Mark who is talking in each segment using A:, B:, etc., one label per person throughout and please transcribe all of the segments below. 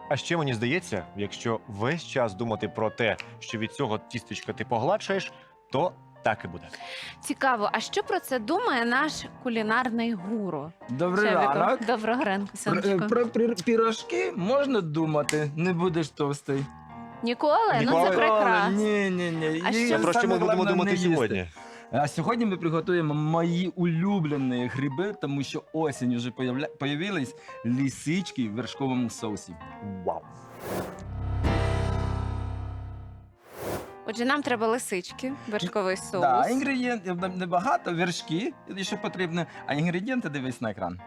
A: А ще мені здається, якщо весь час думати про те, що від цього тістечка ти погладшаєш, то так і буде.
B: Цікаво, а що про це думає наш кулінарний гуру?
C: Добрий
B: Чебіко,
C: ранок.
B: доброго ранку, сонечко.
C: Про пірожки можна думати, не будеш товстий.
B: Ніколи? Ну
A: Ніколи?
B: це прекрасно.
C: Ні.
B: А
C: І
B: що?
A: А про що
C: саме
A: ми будемо
C: головне,
A: думати
C: не їсти.
A: сьогодні?
C: А сьогодні ми приготуємо мої улюблені гриби, тому що осінь вже появились лисички в вершковому соусі.
A: Вау!
B: Отже, нам треба лисички, вершковий соус.
C: Да, інгредієнтів небагато, вершки, що потрібно, а інгредієнти дивись на екран.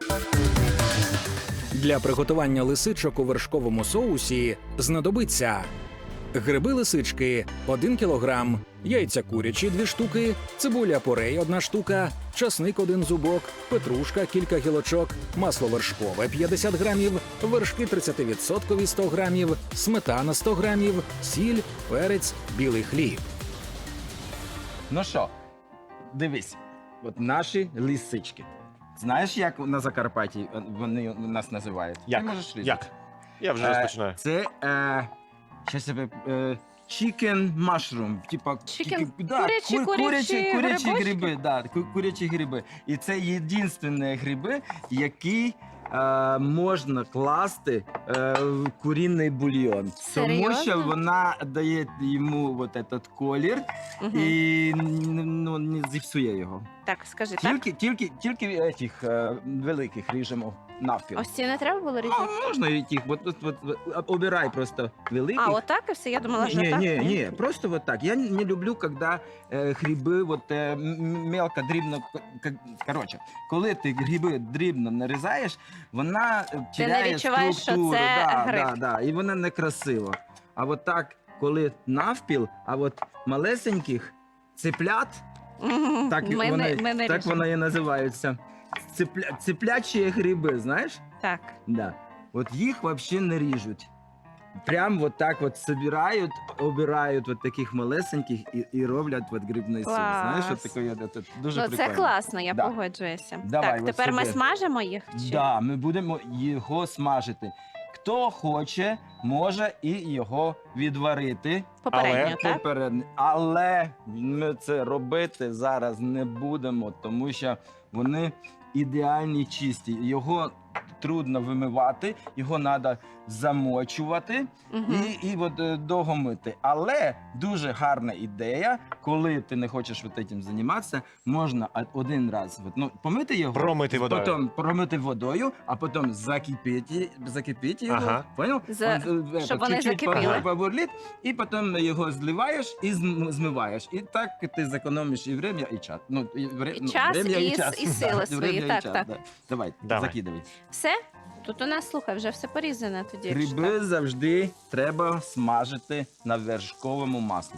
D: Для приготування лисичок у вершковому соусі знадобиться гриби-лисички – 1 кілограм, яйця курячі – 2 штуки, цибуля порей – 1 штука, часник – 1 зубок, петрушка – кілька гілочок, масло вершкове – 50 грамів, вершки 30% – 100 грамів, сметана – 100 грамів, сіль, перець, білий хліб.
C: Ну що, дивись, от наші лисички. Знаєш, як на Закарпатті вони нас називають?
A: Як?
C: Ти можеш різати?
A: Як? Я вже розпочинаю.
C: Це щас я chicken mushroom, типа
B: Chicken?
C: да,
B: Курячі
C: курячі
B: грибочки?
C: гриби, да, курячі гриби. І це єдинственні гриби, які можна класти в курінний бульйон. Тому
B: Серйозно?
C: що вона дає йому вот этот колір
B: Мгм.
C: і ну, не зіпсує його.
B: Так, скажи, так?
C: Тільки цих великих ріжемо навпіл.
B: Ось ці не треба було різати?
C: А можна і тих, от, обирай просто великих.
B: А, отак і все? Я думала, що так.
C: Ні, просто вот так. Я не люблю, когда гриби вот, мелко, дрібно, короче, коли ти гриби дрібно нарізаєш, вона теряє
B: відчуваєш, що
C: структуру.
B: це
C: да,
B: гриб.
C: да, і вона некрасива. А от так, коли навпіл, а от малесеньких цеплят, так,
B: Ми не
C: так
B: ріжемо.
C: вона і називається. Цеплячі гриби, знаєш?
B: Так.
C: Да. От їх взагалі не ріжуть. Прям вот так вот собирають, обирають вот таких малесеньких і роблять вот грибний суп.
B: Клас.
C: Знаєш, от таке, це дуже
B: Ну,
C: прикольно.
B: це класно, я
C: Да.
B: погоджуюся.
C: Давай,
B: Так,
C: от
B: тепер ми
C: сюди.
B: смажимо їх? Чи?
C: Да, ми будемо його смажити. Хто хоче, може і його відварити.
B: Попередньо, так?
C: Попередньо. Але ми це робити зараз не будемо, тому що вони ідеальні чисті. Його трудно вимивати, його треба замочувати
B: Мгм.
C: і от, довго мити. Але дуже гарна ідея, коли ти не хочеш цим займатися, можна один раз помити його,
A: Промити водою.
C: потім промити водою, а потім закипіти його.
A: Ага.
C: Понял?
B: Щоб вони
C: Чуть-чуть
B: закипіли.
C: побурлить, і потім його зливаєш і змиваєш. І так ти зекономиш і время, і час.
B: І час, і сили свої. Так, так.
C: Да. Давай,
A: Давай.
C: закидывай.
B: Все? Тут у нас, слухай, вже все порізане тоді. якщо
C: Гриби
B: так.
C: завжди треба смажити на вершковому маслі.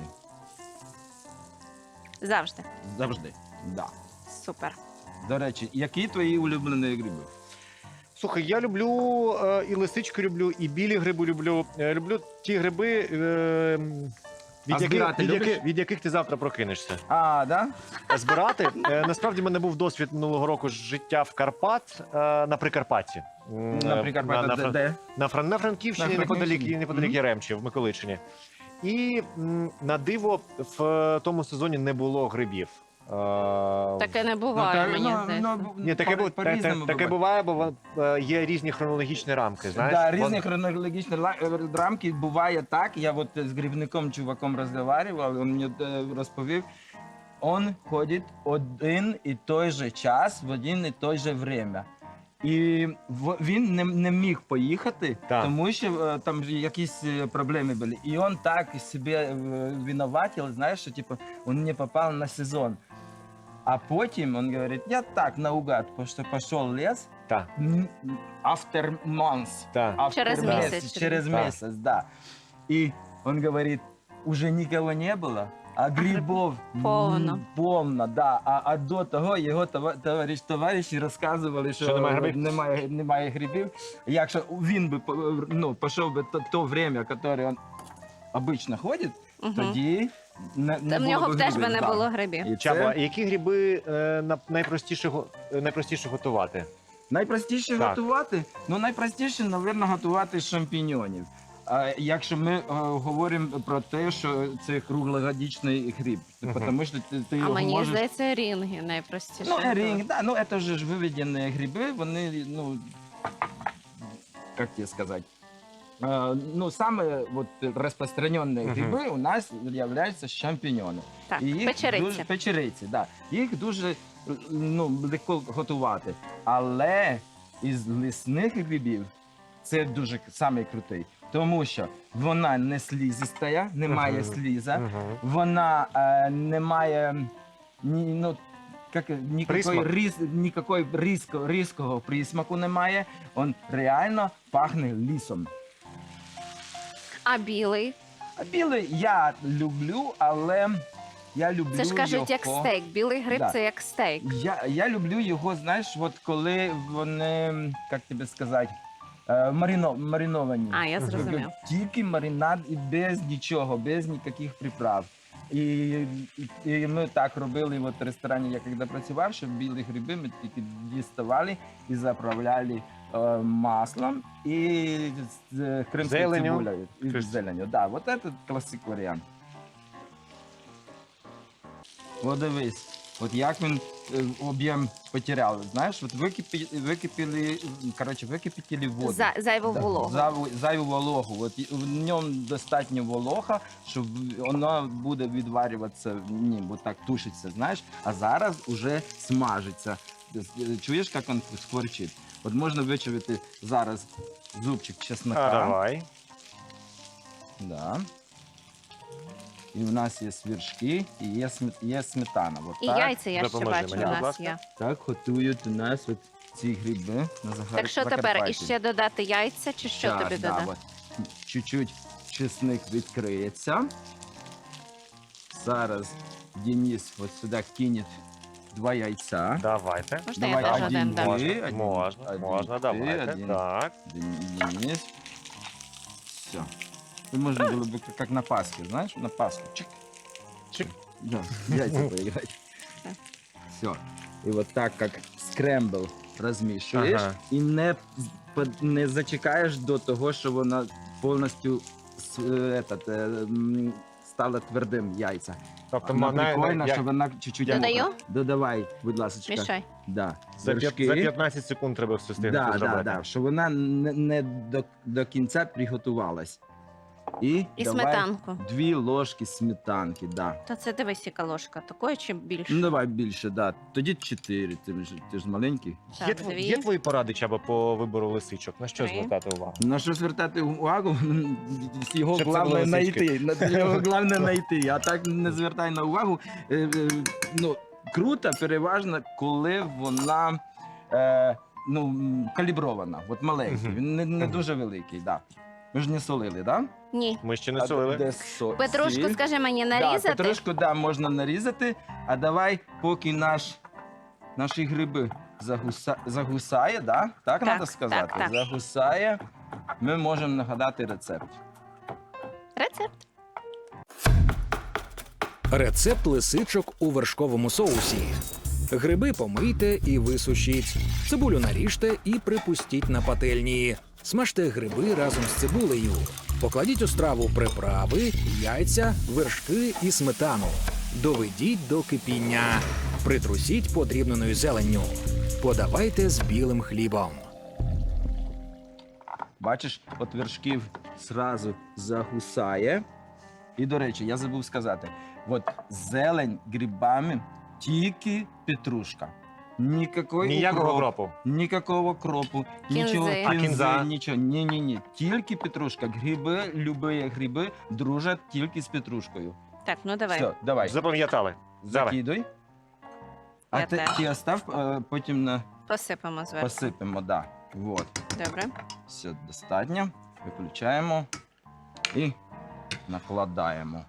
B: Завжди.
C: Завжди. Да.
B: Супер.
C: До речі, які твої улюблені гриби?
A: Слухай, я люблю і лисички люблю, і білі гриби люблю. Люблю ті гриби,
C: А збирати любиш?
A: від яких ти завтра прокинешся.
C: А, да?
A: Збирати. Насправді в мене був досвід минулого року життя в Карпат, на Прикарпатті.
C: Наприклад,
A: на
C: де?
A: На Франківщині,
C: На Франківщині.
A: неподалік
C: Мгм.
A: Яремчі, в Миколичині. І на диво в тому сезоні не було грибів.
B: Таке не буває, мені здається.
A: Ні, таке буває, бо є різні хронологічні рамки. Знаєш?
C: Да, різні хронологічні рамки. Буває так. Я от з грибником, чуваком розмовляв, він мені розповів. Он ходить один і той же час, в один і той же время. І він не міг поїхати,
A: Так.
C: тому що там якісь проблеми були. І він так себе винуватив, знаєш, що типу, він не попав на сезон. А потім він говорить, я так наугад, що пішов в ліс,
A: Так,
C: after months.
A: так.
B: Через
C: After
B: місяць.
C: Через
A: Да.
C: месяц, да. И он говорит, уже никого не было, а грибов
B: Полно.
C: полно, да. А до того його товариші розказували,
A: Що
C: що
A: немає грибів?
C: немає грибів. Якщо він би пішов би то время, яке він обично ходить,
B: Мгм.
C: тоді не
B: Та в
C: було
B: нього
C: б
B: б теж
C: грибів,
B: би не
C: да.
B: було грибів.
C: І
A: Чабо,
C: це
A: які гриби найпростіше готувати?
C: Найпростіше
A: Так.
C: готувати? Ну, найпростіше, мабуть, готувати з шампіньонів. А якщо ми говоримо про те, що це круглогодічний гриб, тому що ти
B: А
C: його
B: мені
C: можеш...
B: здається, рінги найпростіше.
C: Ну, ринг, да, ну это же выведенные грибы, вони, ну, как тебе сказать, ну, самые вот распространенные гриби у нас являються шампіньони.
B: Так,
C: І їх
B: печериці.
C: Дуже, печериці, да. Їх дуже легко готувати. Але із лісних грибів це дуже самий крутий. Тому що вона не слізиста, немає
A: Мгм.
C: сліза,
A: Мгм.
C: вона не має ну,
A: Присмак.
C: никакой різкого присмаку немає. Он реально пахне лісом.
B: А білий?
C: А білий я люблю, але я люблю
B: Це ж кажуть, як
C: його...
B: стейк. Білий гриб
C: Да.
B: це як стейк.
C: Я люблю його, знаєш, от коли вони, як тобі сказати, мариновані.
B: А, я зрозумів.
C: Тільки маринад і без нічого, без ніяких приправ. І ми так робили от в ресторані, я коли працював, що білі гриби ми тільки діставали і заправляли маслом і з кримською
A: Зеленню.
C: цибулею. І з зеленю. Да, от це класик варіант. От дивись, от як він об'єм потеряв. Знаєш, от википітили воду.
B: Зайву вологу.
C: Зайву вологу. От в ньому достатньо волога, щоб воно буде відварюватися, бо так тушиться, знаєш, а зараз уже смажиться. Чуєш, як він скворчить? От можна вичавити зараз зубчик чеснока.
A: А, давай.
C: Да. І в нас є вершки, і є сметана. От
B: І
C: так,
B: яйця я ще
A: Допоможи
B: бачу,
A: мені,
B: у
A: будь
B: нас
A: ласка.
B: є.
C: так готують у нас от ці гриби на
B: Так що тепер?
C: Закарпатті.
B: І ще додати яйця, чи що
C: Так,
B: тобі
C: да,
B: додати?
C: от. Чуть-чуть чесник відкриється. Зараз Денис от сюди кине 2 яйця.
A: Давайте.
B: Можна
C: Давай,
B: я теж
C: один,
B: один дам?
C: два.
A: Можна,
C: один,
A: можна,
C: один,
A: можна,
C: ти,
A: давайте.
C: один.
A: Так.
C: Денис. Все. И можно было бы как на Пасхе, знаешь, на Пасху. Чик.
A: Чик.
C: Да, яйца поиграть. Все. И вот так, как скрембл розмішуєш,
A: Ага.
C: і не зачекаєш до того, що вона повністю стала твердим яйця.
A: Тобто
C: Вона
A: вона
C: прикольна,
A: як-
C: що вона чуть-чуть...
B: Додаю?
C: Додавай, будь ласка.
B: Мішай.
C: Да.
A: за
C: Вершки.
A: 15 секунд треба все встигнути
C: Да,
A: зробити.
C: да, що вона не до кінця приготувалась. І давай
B: сметанку.
C: 2 ложки сметанки, да.
B: То це дивись, яка ложка. Такої чи більше?
C: Ну давай більше, да. Тоді 4, ти ж маленький.
B: Так,
A: Є,
B: дві.
A: є твої поради, Чаба, по вибору лисичок? На що
B: 3.
A: звертати увагу?
C: На що звертати увагу? Його
A: Щоб це
C: головне
A: були
C: знайти. Його головне знайти. А так не звертай на увагу. Ну, круто, переважно, коли вона калібрована, от маленький.
A: Мгм.
C: Він не
A: Мгм.
C: дуже великий, да. Ми ж не солили, да?
B: Ні.
A: Ми ще не солили.
C: Де
B: Петрушку,
C: сіль?
B: скажи мені,
C: Да,
B: нарізати?
C: петрушку, да, можна нарізати. А давай, поки наші гриби загусає, да? Так
B: Так,
C: треба сказати?
B: так, так.
C: Загусає, ми можемо нагадати рецепт.
B: Рецепт.
D: Рецепт лисичок у вершковому соусі. Гриби помийте і висушіть. Цибулю наріжте і припустіть на пательні. Смажте гриби разом з цибулею. Покладіть у страву приправи, яйця, вершки і сметану. Доведіть до кипіння. Притрусіть подрібненою зеленню. Подавайте з білим хлібом.
C: Бачиш, от вершків зразу загусає. І, до речі, я забув сказати, от зелень грибами тільки петрушка.
A: Ніякого кропу.
C: Никакого кропу,
B: Кінзи.
C: нічого
B: А
A: кінза?
C: нічого. Ні. Тільки петрушка. Гриби, любі гриби дружать тільки з петрушкою.
B: Так, ну давай.
C: Все, давай,
A: Запам'ятали. Давай.
C: закидуй. А
B: Я
C: ти
B: теж.
C: остав, потім
B: Посипемо зверху.
C: посипемо, да. Вот.
B: Добре.
C: Все достатньо. Виключаємо і накладаємо.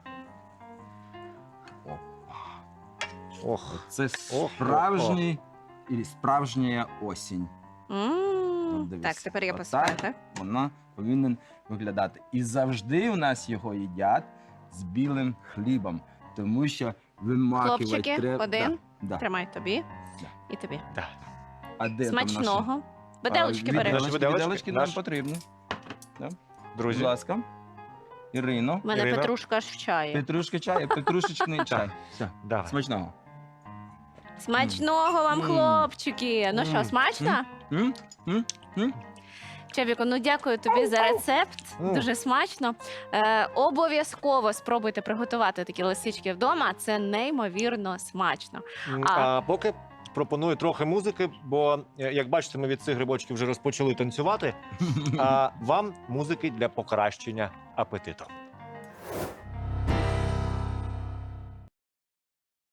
A: Ох.
C: Це
A: Ох,
C: справжній і справжня осінь. От дивись.
B: Так, тепер я
C: Отак.
B: посипаю, так?
C: Вона повинна виглядати. І завжди у нас його їдять з білим хлібом, тому що вимакувати
B: Хлопчики,
C: треба.
B: один.
C: Да.
B: Тримай тобі
C: Да.
B: і тобі.
A: Да.
C: А де там наші?
B: Смачного. Виделочки бери.
A: Наші виделочки,
C: Виделочки нам
A: наш-
C: потрібні. Будь
A: Друзі,
C: ласка. Ірино.
B: У мене
A: Ірина.
B: петрушка аж в чаї.
C: Петрушка чай, петрушечний чай. Все,
A: давай.
C: смачного.
B: Смачного вам,
C: М.
B: хлопчики. Ну що,
C: М.
B: смачно?
C: М? М? М?
B: Чебіко, ну дякую тобі за рецепт. Дуже смачно. Обов'язково спробуйте приготувати такі лисички вдома. Це неймовірно смачно.
A: А поки пропоную трохи музики, бо, як бачите, ми від цих грибочків вже розпочали танцювати. А вам музики для покращення апетиту.